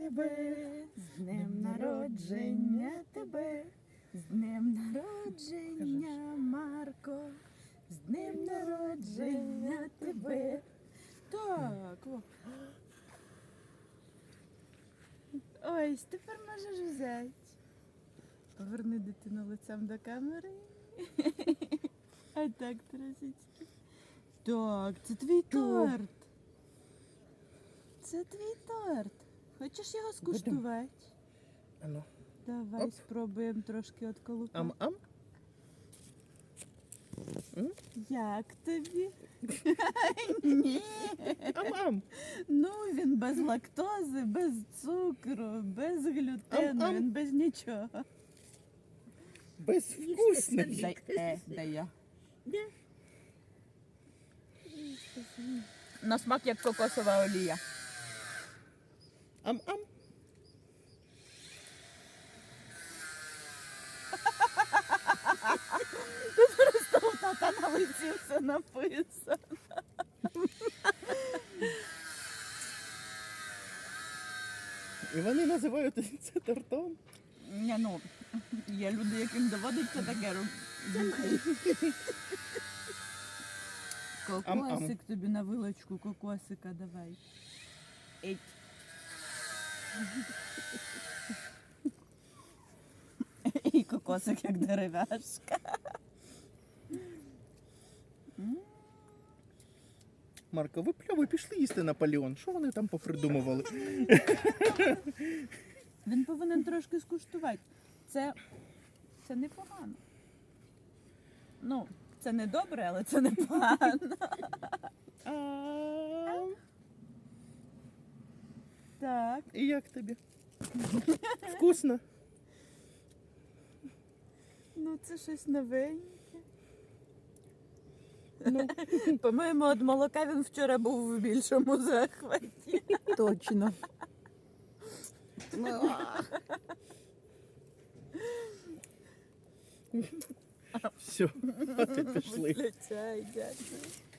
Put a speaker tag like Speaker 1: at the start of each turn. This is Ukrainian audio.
Speaker 1: тебе, з днем народження тебе, з днем народження, Марко, з днем народження тебе. Так, о. Ось, тепер можеш взяти. Поверни дитину лицем до камери. А так, трошечки. Так, це твій торт. Це твій торт. Хочеш його скуштувати?
Speaker 2: Ану.
Speaker 1: Давай
Speaker 2: Оп.
Speaker 1: спробуємо трошки отколупати.
Speaker 2: Ам-ам.
Speaker 1: Як тобі? Ні.
Speaker 2: Ам-ам.
Speaker 1: Ну, він без лактози, без цукру, без глютену,
Speaker 2: Ам-ам.
Speaker 1: він без нічого.
Speaker 2: Безвкусний.
Speaker 1: Дай я. На смак як кокосова олія.
Speaker 2: Ам-ам.
Speaker 1: Просто у тата на лиці все написано.
Speaker 2: І вони називають це тортом.
Speaker 1: Ні, ну, є люди, яким доводиться таке робити. Кокосик тобі на вилочку, кокосика давай. Еть. І кокосик як дерев'яшка.
Speaker 2: Марко, ви пішли їсти Наполеон. Що вони там попридумували?
Speaker 1: Він повинен трошки скуштувати. Це непогано. Ну, це не добре, але це непогано. Так.
Speaker 2: І як тобі? Вкусно?
Speaker 1: Ну, це щось новеньке.
Speaker 2: Ну,
Speaker 1: По-моєму, від молока він вчора був в більшому захваті.
Speaker 3: Точно.
Speaker 2: все, от і пішли.
Speaker 1: Летяй, дякую.